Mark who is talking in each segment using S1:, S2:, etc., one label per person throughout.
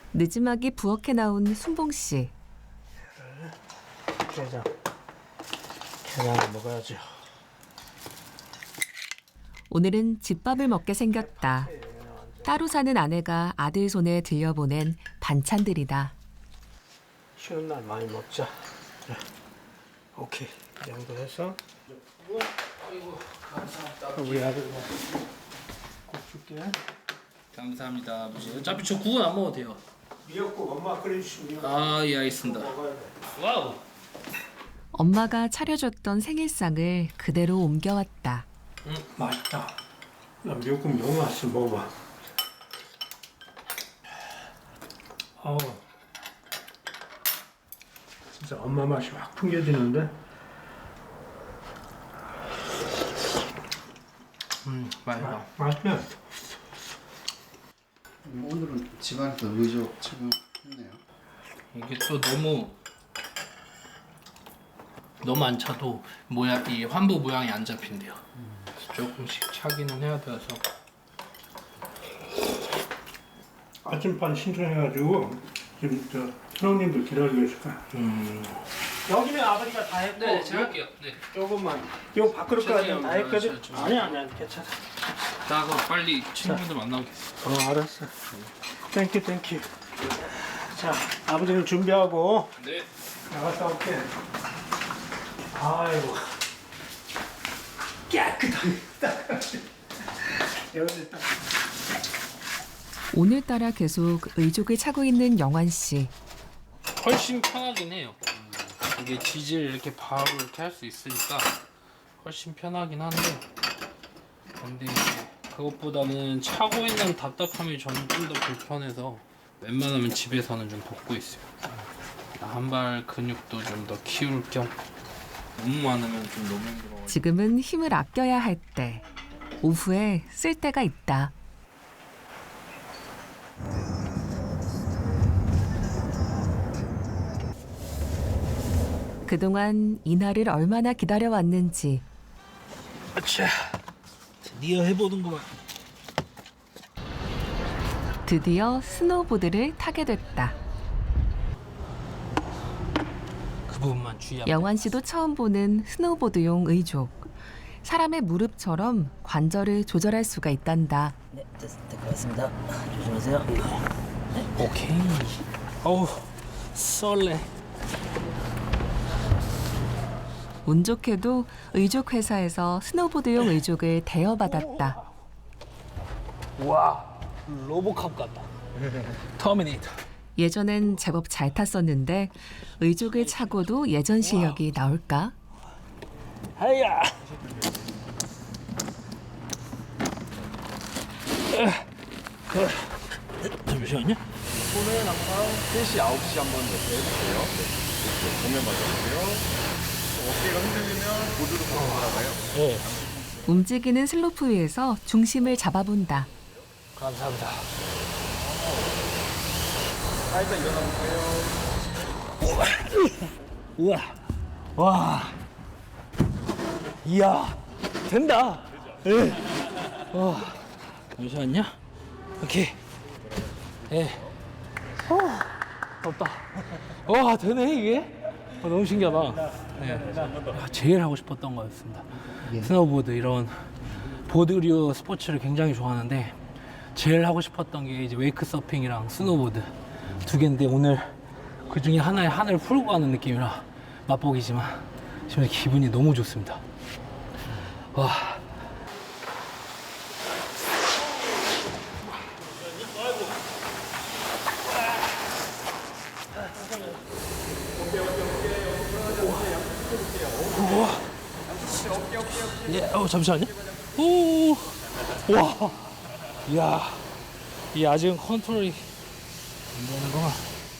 S1: 늦지막이 부엌에 나온 순봉 씨.
S2: 게장을 먹어야죠.
S1: 오늘은 집밥을 먹게 생겼다. 따로 사는 아내가 아들 손에 들려보낸 반찬들이다.
S2: 쉬는 날 많이 먹자. 그래. 오케이. 이 정도 해서. 아이고, 감사합니다. 우리 아들 꼭 줄게.
S3: 감사합니다, 아버지. 어차피 저 국은 안 먹어도 돼요.
S2: 미역국 엄마 끓여주시면.
S3: 아, 예, 알겠습니다. 와우.
S1: 엄마가 차려줬던 생일상을 그대로 옮겨왔다.
S2: 맛있다. 나 미역국 너무 맛있어. 먹어봐. 진짜 엄마 맛이 확 풍겨지는데.
S3: 맛있다.
S2: 맛있네.
S4: 오늘은 집안에서 의족 착용했네요.
S3: 이게 또 너무 안 차도 이 환부 모양이 안 잡힌대요. 조금씩 차기는 해야 돼서.
S2: 아침반 신청해가지고 지금 저 선생님도 기다리고 있을 거야. 여기는 아버지가 다 했고.
S3: 네, 제가 할게요. 네.
S2: 조금만. 요 밖으로까지 다 했거든.
S3: 그렇죠.
S2: 아니야, 괜찮아.
S3: 나 그럼 빨리 친구들 만나겠어.
S2: 알았어. 땡큐. 자, 아버지는 준비하고
S3: 네.
S2: 나갔다 올게. 아이고. 깨끗하게 닦아야지. 여기 딱.
S1: 오늘따라 계속 의족을 차고 있는 영환 씨.
S3: 훨씬 편하긴 해요. 이게 지질 이렇게 바로 이렇게 할 수 있으니까 훨씬 편하긴 한데, 근데 이제 그것보다는 차고 있는 답답함이 저는 좀 더 불편해서 웬만하면 집에서는 좀 벗고 있어요. 한발 근육도 좀 더 키울 겸. 너무 많으면 좀 너무 힘들어.
S1: 지금은 힘을 아껴야 할 때. 오후에 쓸 때가 있다. 그동안 이날을 얼마나 기다려왔는지.
S3: 아차, 드디어 해보는구만.
S1: 드디어 스노우보드를 타게 됐다.
S3: 그 부분만 주의하면.
S1: 영환 씨도 처음 보는 스노우보드용 의족. 사람의 무릎처럼 관절을 조절할 수가 있단다.
S5: 네, 될 것 같습니다. 조심하세요.
S3: 오케이. 어우, 썰레.
S1: 운 좋게도 의족 회사에서 스노우보드용 의족을 대여받았다.
S3: 와, 로보캅 같다. 터미네이터.
S1: 예전엔 제법 잘 탔었는데 의족을 차고도 예전 실력이 나올까?
S3: 하야. 잠시만요.
S6: 오늘 항상 3시, 9시 한번 해주세요. 네. 정면 맞아주세요. 어깨가 흔들리면 보드로 바로 돌아가요.
S3: 네.
S1: 움직이는 슬로프 위에서 중심을 잡아본다.
S3: 감사합니다.
S6: 살짝 일어나 보세요.
S3: 우와. 와. 이야. 된다. 예. 와. 잠시만요. 오케이. 예. 덥다. 와, 되네, 이게? 너무 신기하다. 네. 제일 하고 싶었던 거였습니다. 스노우보드, 이런 보드류 스포츠를 굉장히 좋아하는데, 제일 하고 싶었던 게 이제 웨이크 서핑이랑 스노우보드 두 개인데, 오늘 그 중에 하나에 하늘을 풀고 가는 느낌이라 맛보기지만 지금 기분이 너무 좋습니다. 와. 우와. 예, 잠시만요. 오. 와. 이야. 이 아직은 컨트롤이 안 되는구나.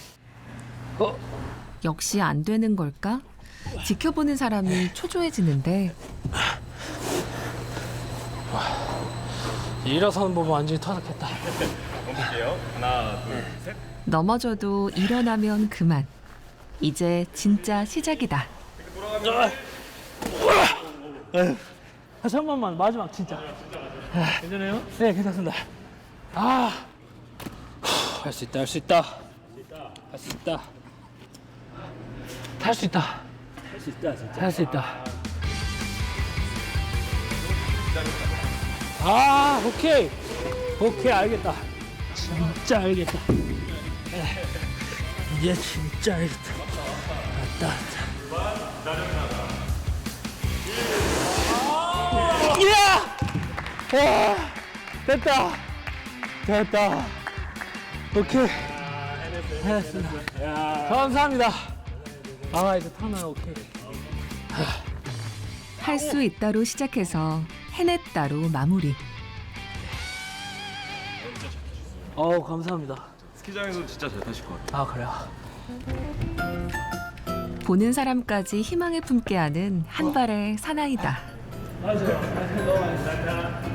S1: 역시 안 되는 걸까? 지켜보는 사람이 초조해지는데
S3: 일어서는 보면 완전히 터득했다.
S6: 볼게요. 하나, 둘, 셋.
S1: 넘어져도 일어나면 그만. 이제 진짜 시작이다.
S3: 한 번만 마지막 진짜. 괜찮아요? 네, 괜찮습니다. 할 수 있다, 할 수 있다. 할 수 있다. 할 수 있다. 할 수 있다, 진짜. 할 수 있다. 아, 오케이. 오케이, 알겠다. 진짜 알겠다. 이제 진짜 알겠다. 왔다, 왔다. 이야! 와, 됐다. 됐다. 오케이. 해냈습니다. 감사합니다. 아, 이제 타나, 오케이.
S1: 할 수 있다로 시작해서 해냈다로 마무리.
S3: 어우, 감사합니다.
S6: 스키장에서 진짜 잘 타실 것 같아요.
S3: 아, 그래요?
S1: 보는 사람까지 희망을 품게 하는 한 발의 사나이다.
S3: 맞아요. 너무 많이